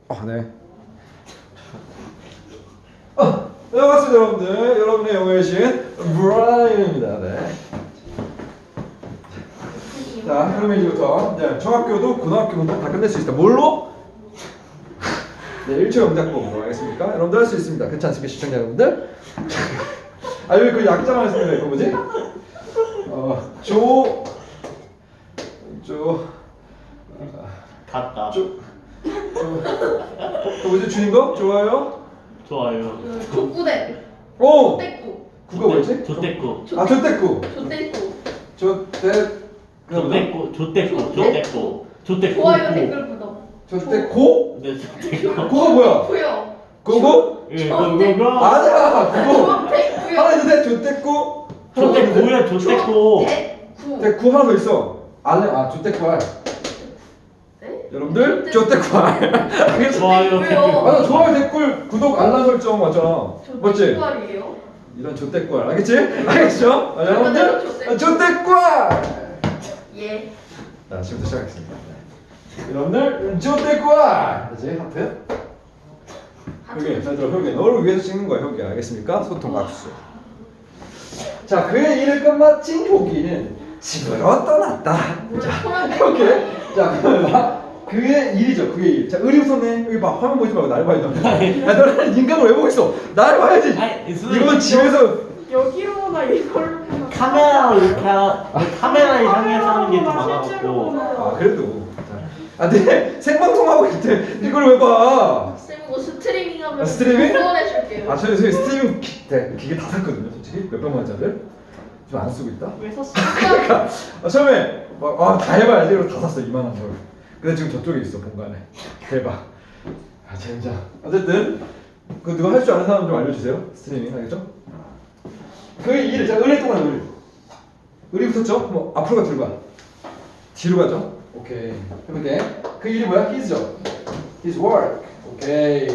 네. 네, 반갑습니다, 여러분들. 여러분의 영어의 신 브라이언입니다. 네. 자, 그러면 이제부터 중학교도 고등학교도 다 끝낼 수 있다. 뭘로? 네, 1초 영작법으로 하겠습니까? 여러분들 할 수 있습니다. 그렇지 않습니까, 시청자 여러분들? 아, 여기 그 약자만 했습니다. 이거 뭐지? 갔다. 그 뭐지? 주인 거? 좋아요? 좋아요. 족구대. 오! 족대꾸. 구가 뭐였지? 조떼꾸. 아, 조떼꾸. 족대꾸. 조떼꾸. 좋아요 댓글 구독. 조떼고? 네, 조떼꾸. 고가 뭐야? 구요. 고고? 예, 조떼꾸. 아니야, 그거. 족대꾸요. 하나 있는데 조떼고. 조떼꾸야, 조떼꾸. 대구. 대구 하나 더 있어. 조떼구 알. 네? 여러분들 조떼구 알. 알겠어? 좋아요, 왜요? 맞아, 좋아요, 댓글, 구독, 알람 설정 맞잖아. 맞지? 족대꾸알이에요? 이런 조떼구 알. 알겠지? 알겠죠? 맞아, 여러분들? 조떼꾸. 조떼구 알. 예. 자, 지금부터 시작하겠습니다. 네. 여러분들 조떼구 알. 그렇지? 하트. 효기, 잘 들어, 효기. 너를 위해서 찍는 거야, 효기. 알겠습니까? 소통 박수. 자, 그의 일을 끝마친 효기는 집으로 떠났다. 자, 효기. 자, 그러면 봐. 그의 일이죠, 그의 일. 자, 의리부터 내. 여기 봐, 화면 보지 말고 날 봐야 돼. 야, 너는 인감을 왜 보고 있어? 날 봐야지. 이건 집에서. 여기로 보나 이걸로 보나 카메라로 이렇게 카메라 향해서 하는 게 더 많아갖고. 아, 그래도. 근데 생방송하고 있을 때 이걸 왜 봐? 쌤 이거 스트리밍하면 스트리밍? 후원해줄게요. 저희 스트리밍 기계 다 샀거든요, 솔직히. 몇백만 원짜리를. 지금 안 쓰고 있다. 왜 샀어? 그러니까 처음에 다 해봐야지. 그래서 다 샀어, 2만 원 걸. 근데 지금 저쪽에 있어, 본관에. 대박. 젠장. 어쨌든 그 누가 할 줄 아는 사람 좀 알려주세요. 스트리밍 알겠죠? 그의 일을 자, 의리 동안 의리 붙었죠? 뭐 앞으로 가, 뒤로 가. 뒤로 가죠? 오케이. 해볼게. 그 일이 뭐야? His죠. His work. 오케이.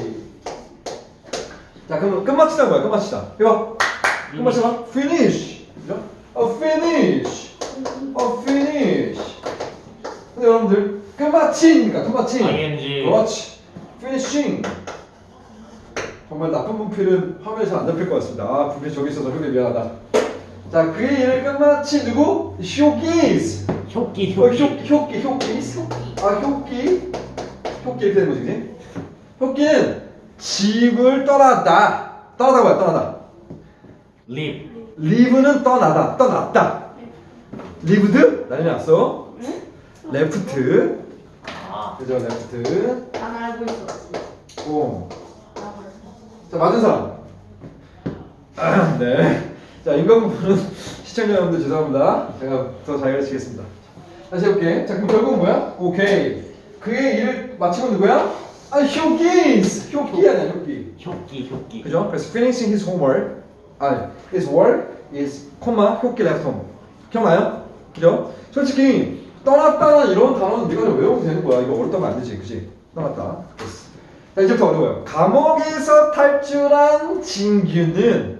자, 그럼 끝마치자 뭐야? 끝마치자. 해봐. 끝마치자. Finish. 그죠? Finish. Finish. 근데 여러분들 끝마친니까 끝마친. ing. 그렇지. Finishing. 정말 나쁜 분필은 화면에서 안 잡힐 것 같습니다. 분필 저기 있어서 효기 미안하다. 자, 그의 일을 끝마친 누구? 효기스. 효기. 효기스. 효기 이렇게 되는 거지, 그치? 효기는 집을 떠났다. 떠나다 뭐야? 떠나다. live. live는 떠났다. lived? 난리 났어. left. 아, 그죠, left. 난 알고 있었어. 오. 자, 맞은 사람. 네. 자, 인간공부는 시청자 여러분들 죄송합니다. 제가 더 잘 가르치겠습니다. 다시 해볼게. 자, 그럼 결국은 뭐야? 오케이. 그의 일을 마치고 누구야? 효기스. 효기 아니야, 효기. 효기. 그죠? 그래서 finishing his homework. his work is, 효기 left home. 기억나요? 그죠? 솔직히 떠났다는 이런 단어는 네가 좀 외우면 되는 거야. 이거 어렵다면 안 되지, 그치? 떠났다. 됐어. 자, 이제부터 어려워요. 감옥에서 탈출한 진규는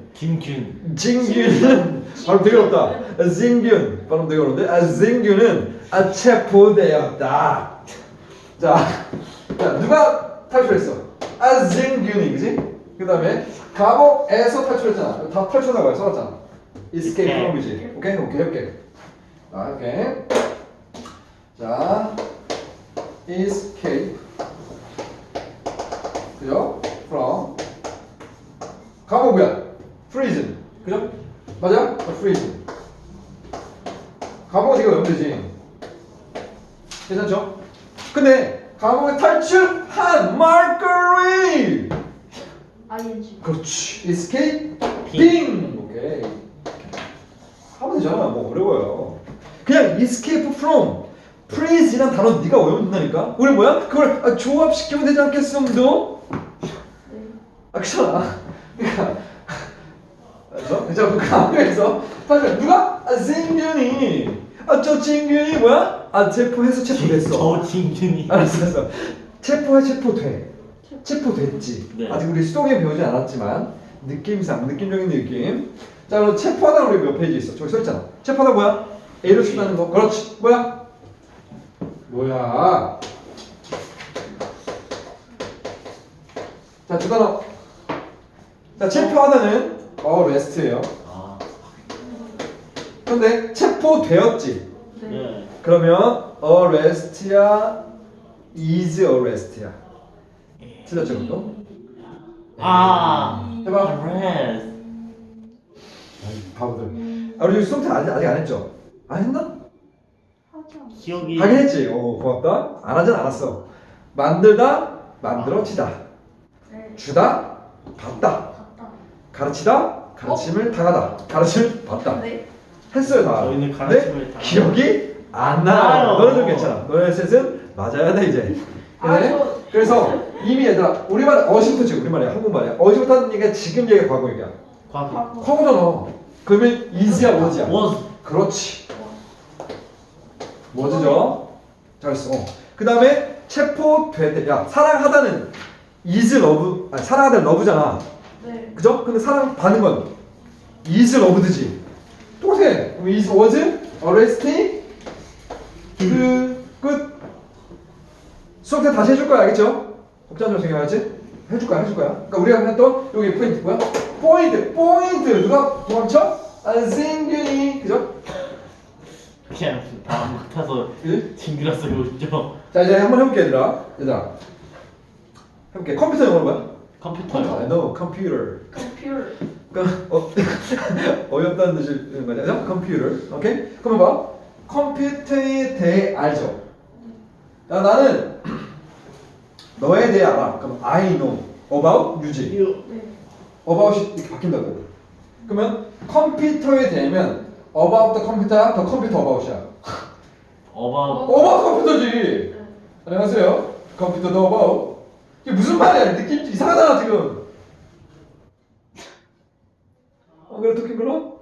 발음 되게 어렵다. 진균 발음 되게 어려운데 진규는 체포되었다. 자, 누가 탈출했어? 진균이, 그지? 그 다음에 감옥에서 탈출했잖아. 다 탈출하고 써놨잖아. escape from이지. 오케이. 오케이. 자, escape. 그죠? from. 감옥 뭐야? prison. 그죠? 맞아? prison. 감옥은 이거 외우면 되지. 괜찮죠? 근데 감옥에 탈출한 마르거리. ing. 그렇지. escaping. 오케이. 하면 되잖아. 뭐 어려워요. 그냥 escape from prison이란 단어 네가 외우면 된다니까. 우리 뭐야? 그걸 조합시키면 되지 않겠어, 너? 그렇잖아. 그러니까 그래서 감옥에서 사실 누가? 진균이. 저 진균이 뭐야? 체포됐어. 저 진균이. 알았어. 체포됐지. 네. 아직 우리 수동에 배우지 않았지만 느낌적인 느낌. 자, 그럼 체포하다 우리 몇 페이지 있어? 저기 써 있잖아. 체포하다 뭐야? A로 친다는 거. 그렇지. 뭐야? 자, 두 단어. 자, 체포하다는 arrest예요. 아, 근데 체포되었지. 네. 네. 그러면 arrest야, is arrest야. 틀렸죠, 그것도? 아, 해봐. arrest. 바보들. 아, 우리 지금 수동태 아직 안 했죠? 안 했나? 하지 않아. 기억이. 하긴 했지. 오, 고맙다. 안 하진 않았어. 만들다, 만들어지다. 네. 주다, 받다. 갔다. 가르치다, 가르침을 당하다. 가르침을 받다. 네. 했어요, 다. 저희는 근데 가르침을 당하다. 기억이 안 나요. 나요. 너는 좀 괜찮아. 너네 셋은 맞아야 돼, 이제. 아, 그래? 저- 그래서 이미 얘들아, 우리말 어시부터 지금 우리말이야. 한국말이야. 어시부터 하는 얘기가 지금 얘기가 과거 얘기야. 과거. 과거. 과거잖아. 그러면 is야, was야? was. 그렇지. was죠? 잘했어. 그 다음에 체포될 때, 야, 사랑하다는 is love, 아니, 사랑하다는 love잖아. 네. 그죠? 근데 사랑받는 건 is loved지. 똑같아. 그럼 is, was, arrested, 끝. 수업때 다시 해줄 거야, 알겠죠? 복잡한 점 생각하지? 해줄 거야. 그러니까 우리가 했던 여기 포인트 뭐야? 포인트. 누가 도망쳐? 안승균이, 그죠? 그냥 다음 같아서 그지? 징그러 쓰고 있죠. 자, 이제 한번 해볼게, 얘들아. 해볼게. 컴퓨터 영어로 뭐야? 컴퓨터요. No, computer. 컴퓨터. 그러니까 어이없다는 뜻인 거죠? 컴퓨터. 오케이? 그러면 봐. 컴퓨터에 대해 알죠? 야, 나는 너에 대해 알아. 그럼 I know about 유지. You. 네. about이 이렇게 바뀐다고. 그러면 컴퓨터에 대하면 about the computer야, the computer about이야. about. about 컴퓨터지. 네. 안녕하세요. 컴퓨터 the about. 이게 무슨 말이야? 느낌 이상하잖아 지금. 그래 느낌 별로?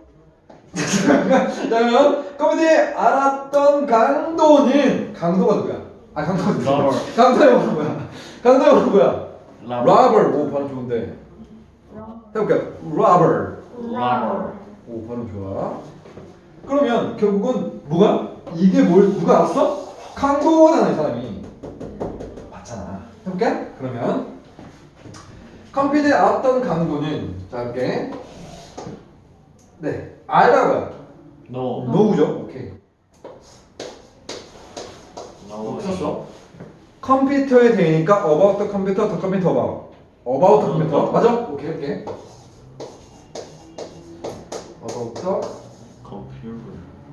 그러면 컴퓨터에 알았던 강도가 누구야? 아 강도가 누구야? Robert. 강도 영어로 뭐야? 강도 영어로 뭐야? Robert. Robert. 오 발음 좋은데. 해볼게요. Robert. Robert. 오 발음 좋아. 그러면 결국은 뭐가? 이게 누가 알았어? 강도잖아 이 사람이. 맞잖아. 해볼게. 그러면 컴퓨터에 알았던 강도는 자 할게. 네. 알다고요. No. 노우죠. 오케이. No. 썼어? 컴퓨터에 대니까 about the computer, the computer about the computer. 맞아? 오케이. about the Computer.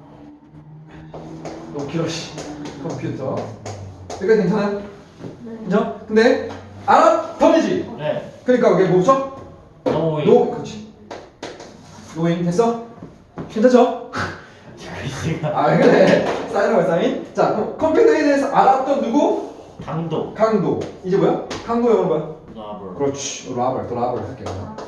너무 길어 씨. 컴퓨터. 여기까지 괜찮아요? 네. 인정? 근데 알았던이지. 네. 그러니까 이게 뭐죠? Knowing. 노 그렇지. 노잉 됐어? 괜찮죠? 아 왜 그래? 사인하고 사인. 자 그럼 컴퓨터에 대해서 알았던 누구? 강도. 강도. 이제 뭐야? 강도 영어로 뭐야? Robert. 그렇지. 라벌 할게요.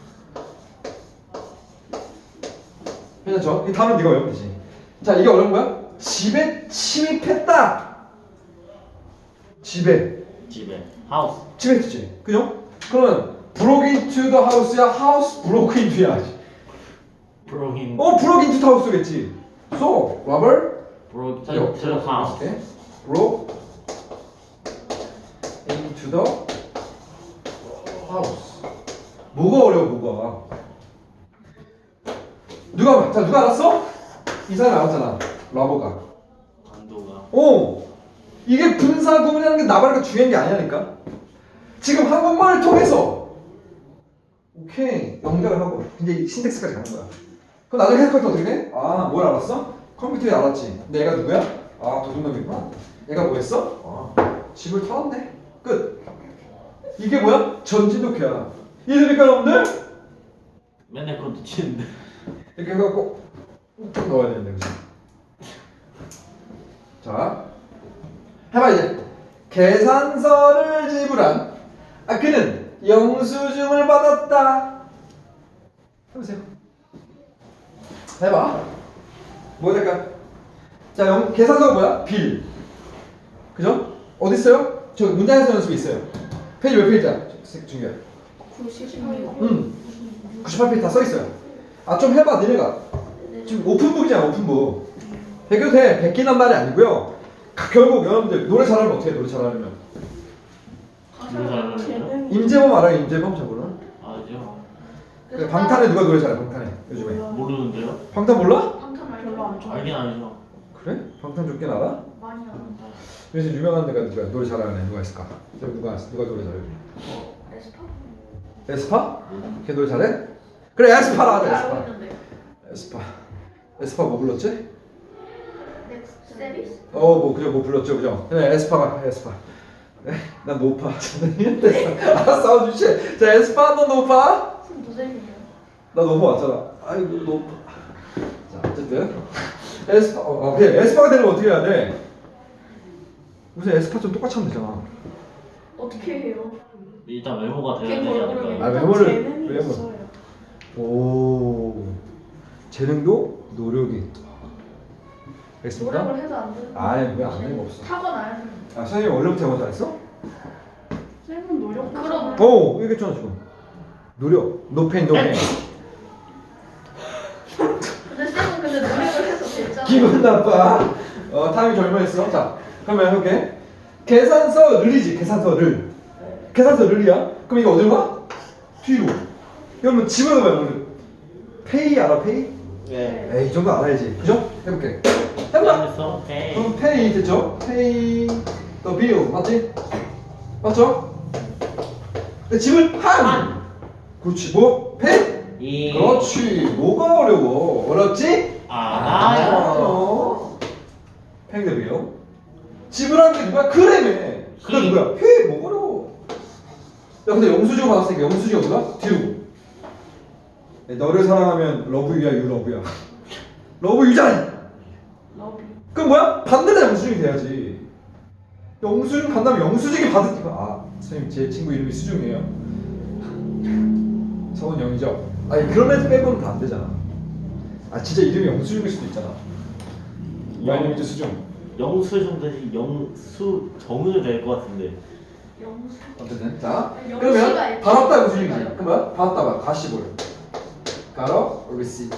괜찮죠? 이 다음은 네가 외우면 되지. 자 이게 어려운 거야? 집에 침입했다. 집에 House. 침입했지. 그죠? 그러면 broke into the house야? house broke into야? Broke in. broke into the house겠지. So, robber Broke into the house. broke into the house. 뭐가 어려워, 뭐가? 누가 알았어? 이 사람이 알았잖아. 러버가. 강도가. 이게 분사구문이라는 게 나발이가 중요한 게 아니라니까. 지금 한국말을 통해서 오케이 연결을 하고 이제 신텍스까지 가는 거야. 그럼 나중에 해석할 때 어떻게 돼? 아, 뭘 알았어? 컴퓨터에 알았지. 근데 얘가 누구야? 아, 도둑놈이구나. 얘가 뭐 했어? 집을 털었네. 끝. 이게 뭐야? 전진독해야. 이해됩니까, 여러분들? 맨날 그것도 치는데. 이렇게 해갖고 꼭 넣어야 되는데, 그치? 자, 해봐 이제. 계산서를 지불한 그는 영수증을 받았다. 해보세요. 해봐. 뭐 될까? 자, 계산서가 뭐야? 빌. 그죠? 어디 있어요? 저 문장에서 연습이 있어요. 페이지 몇 페이지야? 중요해. 98페이지 다 써 있어요. 좀 해봐, 니네가. 지금 오픈북이잖아, 오픈북. 베껴도 돼. 베끼는 말이 아니고요. 결국 여러분들 노래 잘하면 어떻게 해? 노래 잘하려면 임재범 알아요? 임재범 저분은? 아죠. 그 방탄에 누가 노래 잘해? 방탄에 요즘에. 모르는데요? 방탄 몰라? 방탄 알죠? 별로 안 좋아. 알긴 알죠. 그래? 방탄 좋긴 알아? 많이 아는데. 그래서 유명한 데가 누가 노래 잘하는 애 누가 있을까? 누가 노래 잘해? 에스파? 에스파? 걔 노래 잘해? 그래 에스파라 하자 알고 에스파. 있는데. 에스파 뭐 불렀지? 넥스트 세비스? 뭐 그죠 뭐 불렀죠 그죠? 그래 에스파가 에스파. 난 노파. 아 싸워주시. 자 에스파 너 노파? 무슨 무생이에요? 나 노파 왔잖아. 아이고 노파. 자 어쨌든 에스파 그래 에스파가 되려면 어떻게 해야 돼? 무슨 에스파 좀 똑같이 하면 되잖아. 어떻게 해요? 일단 외모가 돼야 걔 되지 모르겠네. 아 않을까요? 외모를 재능이 외모. 있어요. 오 재능도 노력이. 알겠습니까? 노력을 해도 안 되는. 아니 왜안 되는 거 없어. 타고나야 되는. 아 선생님 원래부터 영어 잘했어? 쌤은 노력하잖아. 그럼. 오 얘기했잖아 지금. 노력. 노페인 노페인. 근데 쌤은 근데 노력을 해서 됐잖아. 기분 나빠. 타임이 젊어했어. 자, 그러면 해볼게. 계산서 르리지. 계산서 를. 계산서 르리야. 그럼 이거 어디로 가? 뒤로. 그러면 집어넣어봐요. 오늘. 페이 알아? 페이? 네. 에이, 이 정도 알아야지. 그죠? 해볼게. 해봐. 그래서 오케이. 그럼 페이 됐죠? 페이 더 빌 맞지? 맞죠? 근데 집을 한. 그렇지. 뭐? 페이? 이. 그렇지. 뭐가 어려워? 어렵지? 알아요. 페이 더 빌. 집을 한 게 누가? 그래매. 그게 누구야? 페이 뭐 어려워? 야 근데 영수증 받았으니까 영수증 어디가? 뒤로. 너를 사랑하면 러브유야 유 러브야. 러브유잖아. 러비. 그럼 뭐야? 받는 데 영수증이 돼야지. 영수증 간다면 영수증이 받으니까 선생님 제 친구 이름이 수중이에요. 서은영이죠? 아니 그런 애들 빼고는 다 안 되잖아. 진짜 이름이 영수증일 수도 있잖아. 이름이 수중. 영수증 대신 영수정을 될 것 같은데. 영수. 어쨌든 자 아니, 그러면 영수가 있지. 받았다 영수증이지. 그럼 뭐야? 받았다 봐. 가시볼. 가로 receipt.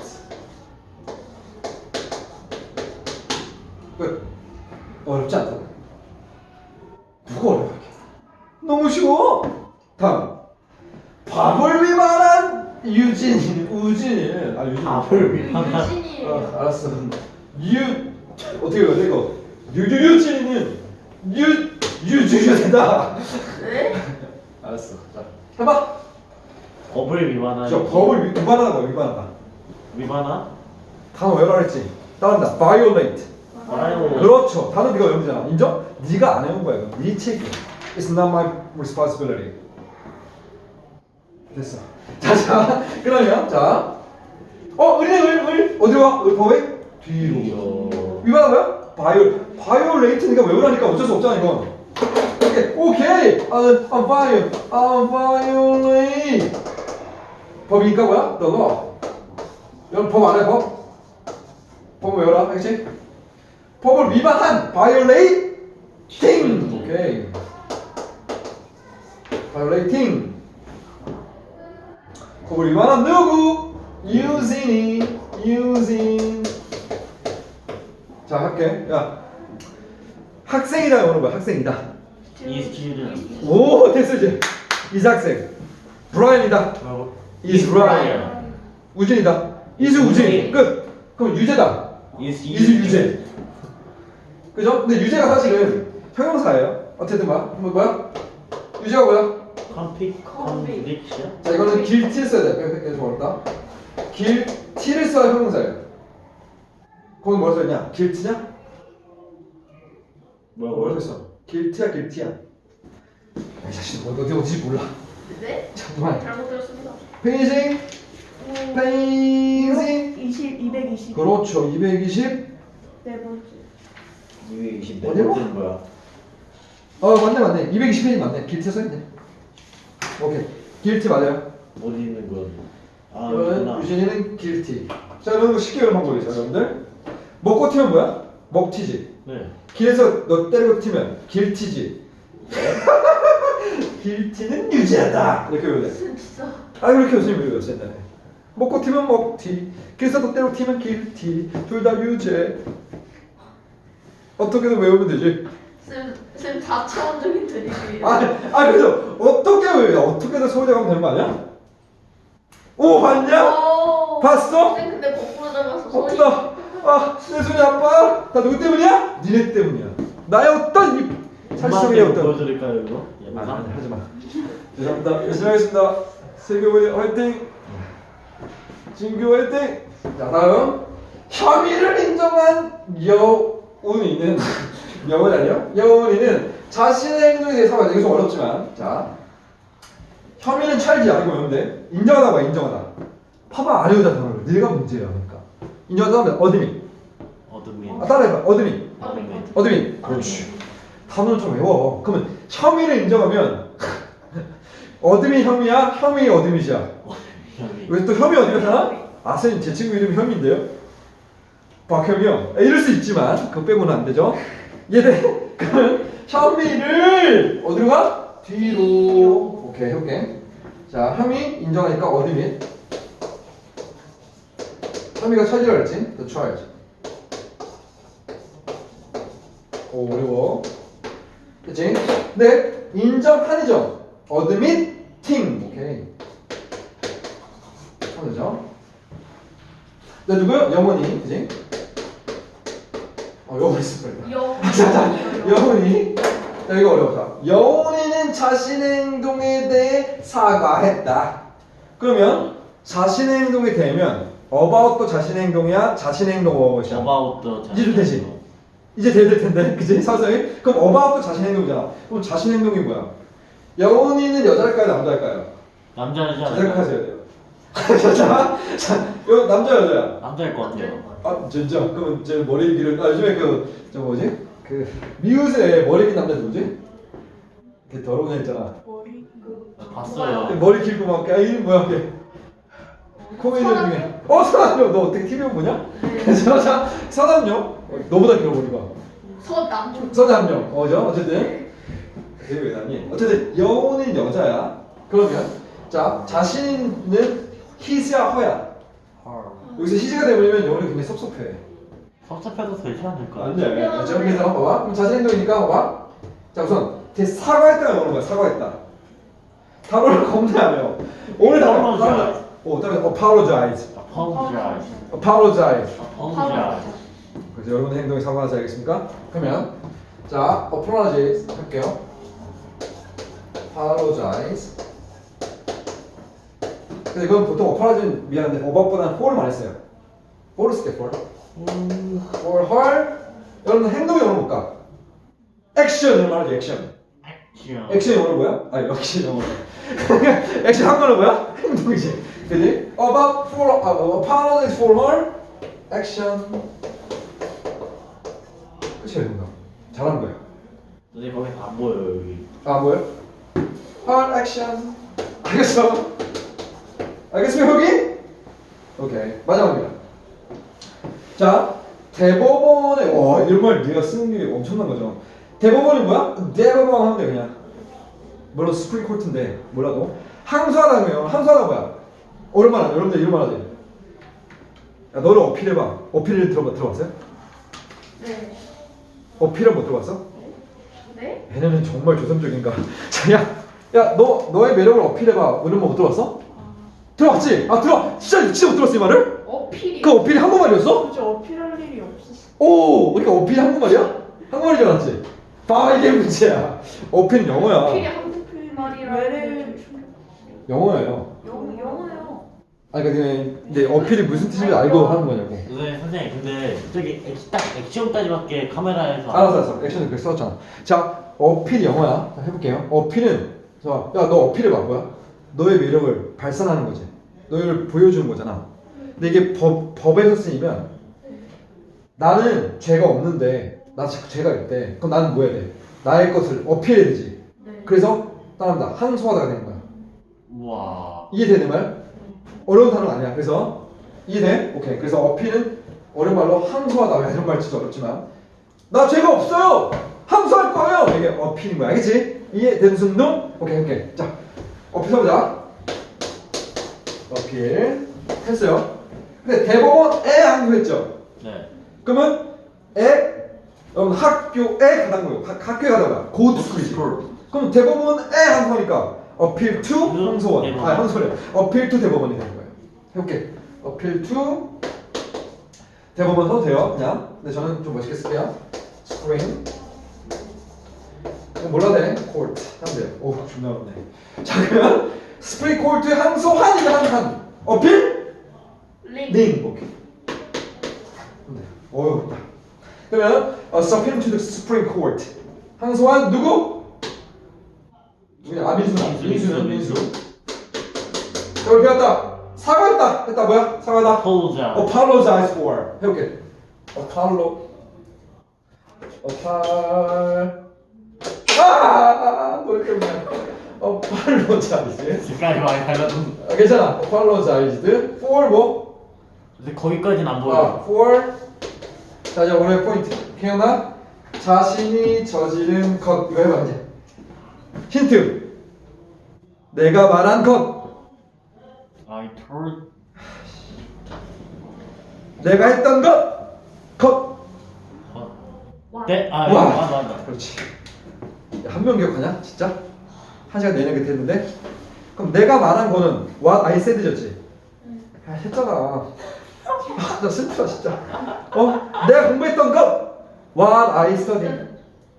끝. 어렵지 않다. 누가 어려워? 너무 쉬워. 다음. 밥을 위반한 우진이. 유진. 밥을 위반한. 유진이. 알았어. 어떻게 해야 돼 이거? 유진이는 유주유다. 왜? 알았어. 자, 해봐. 법을 위반한. 저 법을 위반하다 위반하다. 위반한? 단어 외우라 그랬지. 따라한다. violate. 알아요. 그렇죠. 단어 네가 외운 거잖아. 인정? 네가 안 외운 거야. 이거. 네 책임. It's not my responsibility. 됐어. 자, 그러면 자, 을 어디로 가? 법에 뒤로. 위반한 거야? violate 네가 외우라니까 어쩔 수 없잖아 이건. 오케이. violate. 법이니까 뭐야? the law. 여러분 법 안 해 법? 법을 외워라, 알겠지? 법을 위반한 violating. 오케이. violating. 법을 위반한 누구? using. 자 할게. 야 학생이다 영어로 뭐야? 학생이다. 이 student. 오 됐어 이제. is 학생. 브라이언이다. is 브라이언. 우진이다. is 우진. 끝. 그럼 유재다. is is 유재. 그죠? 근데 유재가 사실은 형용사예요. 어쨌든 뭐야? 유재가 뭐야? conviction. 자 이거는 guilty 써야 돼. 이게 좀 어렵다. guilty를 써야 형용사예요. 거기 뭐라 써있냐? guilty냐? 뭐라고 써있어? guilty야. 이 자식 뭐 어디지 몰라. 네? 정말. 잘못 들었습니다. 페이징. 220. 그렇죠. 220. 네 번째. 220. 어디로? 번째는 뭐야? 맞네. 220페이지 맞네. guilty 써있네. 오케이. guilty 맞아요. 어디 있는 건? 이거는 있구나. 유진이는 guilty. 자, 이런 거 쉽게 외우는 방법이죠, 여러분들. 먹고 튀면 뭐야? 먹튀지. 네. 길에서 너 때리고 튀면 guilty지. guilty는 유지하다. 이렇게 외워야 돼. 진짜. 그렇게 교수님이 외웠어 옛날에. 먹고 튀면 먹튀. 길에서 너 때리고 튀면 guilty. 둘 다 유죄. 어떻게든 외우면 되지. 쌤 4차원적인 드립이에요. 그래서 어떻게 그러면 어떻게든 서울대 가면 되는 거 아니야? 오 봤냐? 오. 봤어? 쌤 근데 거꾸로 잡았어. 손이. 아프다. 아, 내 손이 아파. 다 누구 때문이야? 니네 때문이야. 나의 어떤 이 사실성의 어떤. 보여드릴까요 이거? 아니, 하지 마. 죄송합니다. 열심히 하겠습니다. 세교부의 화이팅. 진규 화이팅. 자 다음 혐의를 인정한 여운이는 여운 아니요? 여운이는 자신의 행동에 대해 사과해. 이게 좀 어렵지만 자 혐의는 찰지 아니고 외운데 인정하다 봐 인정하다. 봐봐 안 외우자 단어를. 네가 문제야 그러니까. 인정하다 하면 어드민. 어둠이. 아 따라해봐 어드민. 어둠이. 어드민. 그렇지. 단어를 좀 외워. 그러면 혐의를 인정하면 어드민 혐의야? 혐의 어드밋이야? 왜 또 혐의 어드밋이야? 아 선생님 제 친구 이름이 혐의인데요? 박혐이요? 이럴 수 있지만 그거 빼고는 안 되죠? 이해돼? 그러면 혐의를 어디로 가? 뒤로. 오케이 해볼게. 자 혐의 인정하니까 어드밋. 혐의가 charge라 그랬지? The charge. 오 어려워. 그치? 네 인정하니죠? admitting. 오케이. 하면 되죠? 네 누구요? 영원히. 그치? 영원히 있을 거예요. 여운이. 자 이거 어려웠다. 여운이는 자신의 행동에 대해 사과했다. 그러면 자신의 행동이 되면 about도 자신의 행동이야? 자신의 행동 about이야? 어바웃도 이제 좀 되지? 이제 될 텐데 그치? 서서히? 그럼 about도 자신의 행동이잖아. 그럼 자신의 행동이 뭐야? 여운이는 여자일까요? 남자일까요? 남자이지 않을까요? 생각하셔야 돼요. 자, 요 남자 여자야? 남자일 것 같아요. 아 진짜? 그러면 제 머리 길은 요즘에 저 뭐지? 그 미우새 머리 긴 남자 누구지? 걔 더러운 애 있잖아. 머리 봤어요. 머리 길고 막 이름 뭐야 걔? 코미디언 중에 서남용. 너 어떻게 TV 보냐? 자 서남용 너보다 길어 머리가. 서남. 서남용 어쨌든 그게 왜 나니? 어쨌든 여우는 여자야. 그러면 자 자신은 his야 허야. 여기서 his가 되버리면 여우는 굉장히 섭섭해. 섭섭해도 되지 않을까? 안 돼. 그래서 봐봐. 그럼 자신 행동이니까 봐봐. 자 우선 사과했다가 나오는 거야. 사과했다. 단어를 겁나 안 해요. 오늘 단어. Apologize. 다음에 apologize. Apologize. apologize. Apologize. 그래서 여러분의 행동에 사과하지 알겠습니까? 그러면 자 apologize 할게요. apologize. 근데 이건 보통 apologize 미안한데 about보다는 for를 많이 써요. for를 쓸게 for. for her. 여러분 행동이 영어로 볼까? 액션을 말하죠 액션. 액션. 액션이 영어로 뭐야? 아 역시 영어로. 액션 한국어로 뭐야? 행동이지. 그지? apologize for her action. 끝이야 이건가? 잘한 거야. 근데 거기 안 보여요 여기. 아 뭐요? her action. 알겠어? 알겠습니까 여기? 오케이 마지막입니다. 자 대법원에 와 이런 말 네가 쓰는 게 엄청난 거죠. 대법원이 뭐야? 대법원 하면 돼 그냥. 물론 스프링 코트인데 몰라도 항소하다면 항소하다 뭐야? 얼마나 여러분들 이런 말 하지? 야 너를 어필해봐. 어필을 들어봤어요? 네. 어필은 못 들어봤어? 네? 얘네는 정말 조선적인가? 야 너의 매력을 어필해봐. 이런 거 못 들어봤어? 들어봤지? 진짜 못 들었어 이 말을? 어필이. 그 어필이 한국말이었어? 굳이 어필할 일이 없었어. 오 그러니까 어필이 한국말이야? 한국말인 줄 알았지? 이게 문제야. 어필은 어필이 영어야. 한국 말이라. 왜를 영어예요. 영어요. 아니 그러니까 근데 어필이 무슨 뜻인지 알고 하는 거냐고. 네, 선생님 근데 저기 딱 액션까지밖에 카메라에서 알았어. 액션을 그렇게 써줬잖아. 자, 어필이 영어야. 자, 해볼게요. 어필은, 야, 너 어필해봐. 뭐야? 너의 매력을 발산하는 거지. 너를 보여주는 거잖아. 근데 이게 법에서 쓰이면 나는 죄가 없는데 나 죄가 있대. 그럼 나는 뭐 해야 돼? 나의 것을 어필해야 되지. 네. 그래서 따라합니다. 항소하다가 되는 거야. 우와. 이해돼 내 말? 어려운 단어가 아니야. 그래서 이해돼? 오케이. 그래서 어필은 어려운 말로 항소하다. 이런 말 진짜 어렵지만 나 죄가 없어요. 항소할 거예요. 이게 어필인 거야. 알겠지? 이해되는 순둥? 오케이. 자, 어필 써보자. 어필 했어요. 근데 대법원에 항소했죠. 네. 그러면 여러분 학교에 가는 거예요. 학교에 가다가 고스쿨이지. 그럼 대법원에 항소하니까 appeal to 항소원. 대법원. 아 항소래. appeal to 대법원이 되는 거예요. 해볼게. appeal to 대법원 써도 돼요. 그냥. 근데 저는 좀 멋있게 쓸게요. spring. 몰라도 돼. court. 하면 돼요. 오 존나 어렵네. 자 그러면 spring court 항소한이다 한. appeal? 링. 오케이. 어렵다. 그러면 subpoena to the Supreme Court. 항소한 누구? 누구냐? 아 민수는 민수. 자 우리 배웠다. 사과했다. 했다 뭐야? 사과다. apologize. Apologize for. 해볼게. 뭘 때문에? Apologize. 색깔이 많이 달라졌어. 괜찮아. Apologized for 뭐? 근데 거기까지는 안 보여. for. 자 이제 오늘의 포인트. 기억나? 자신이 저지른 것. 이거 해봐 이제. 힌트. 내가 말한 것. I told. 내가 했던 것. 것. 네, 와. 맞아. 그렇지. 한 명 기억하냐? 진짜? 한 시간 내내 그때 했는데. 그럼 내가 말한 거는 what I said였지. 아 했잖아. 아, 나 슬프다 진짜. 내가 공부했던 것 what I studied.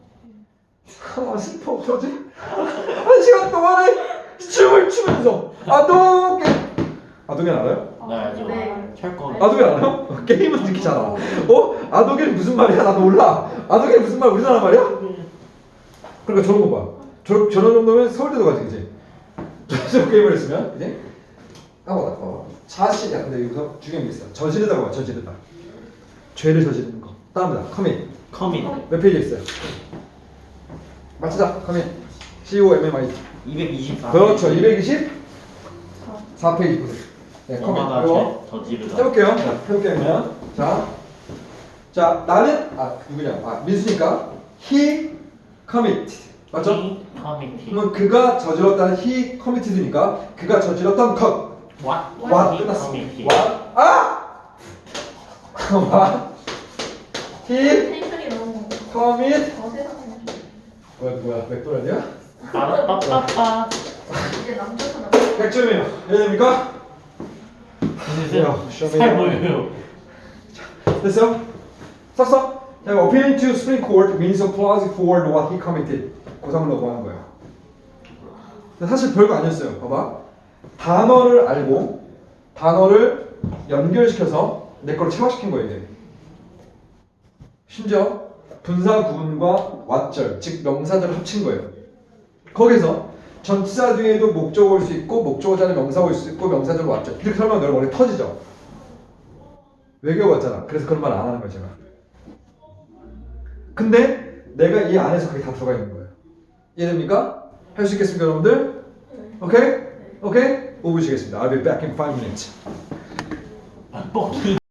아 슬퍼 어쩌지? 한 시간 동안에 춤을 추면서 아도겐 알아요? 네, 알죠. 네. 철거. 아도겐 알아요? 게임은 이렇게 잘 알아. 아도겐 무슨 말이야? 나도 몰라. 아도겐 무슨 말 우리나라 말이야? 그러니까 저런 거 봐. 저런 정도면 서울대도 가지 그지? 저 게임을 했으면 그지? 까먹었다. 자신이야. 근데 여기서 중요한 게 있어. 저지르다고 봐. 저지르다. 죄를 저지르는 거. 다음이다. 커밋. 커밋. 몇 페이지 있어요? 맞추자. 커밋. COMMI. 224. 그렇죠. 224페이지 보세요. 네, 커밋. 엄마가 이거 저지르다. 해볼게요. 자, 해볼게요. 그러면 자 나는 누구냐? 민수니까 he committed. 맞죠? 커밋. 그러면 그가 저질렀다는 he committed니까 그가 저질렀던 것. what 끝났어. what he 텐션이 너무 commit 세상에. 맥도날드야? 빠빠빠빠. 이제 남자잖아. 100점이에요. 이해됩니까? 잘 보여요. 됐어? 썼어? 자, appealing to Supreme Court means applause for what he committed. 고상을 넣고 하는 거예요. 근데 사실 별거 아니었어요. 봐봐. 단어를 알고 단어를 연결시켜서 내 거를 체화시킨 거예요. 이게. 심지어 분사 구문과 왓절, 즉 명사절을 합친 거예요. 거기서 전치사 뒤에도 목적어 올 수 있고 목적어 자리에 명사 올 수 있고 명사절 왓절 이렇게 설명하면 너희 머리 터지죠. 외교 같잖아. 그래서 그런 말 안 하는 거야 제가. 근데 내가 이 안에서 그게 다 들어가 있는 거예요. 이해됩니까? 할 수 있겠습니까 여러분들? 오케이? 오케이? 5분 쉬겠습니다. I'll be back in 5 minutes. 뻑키.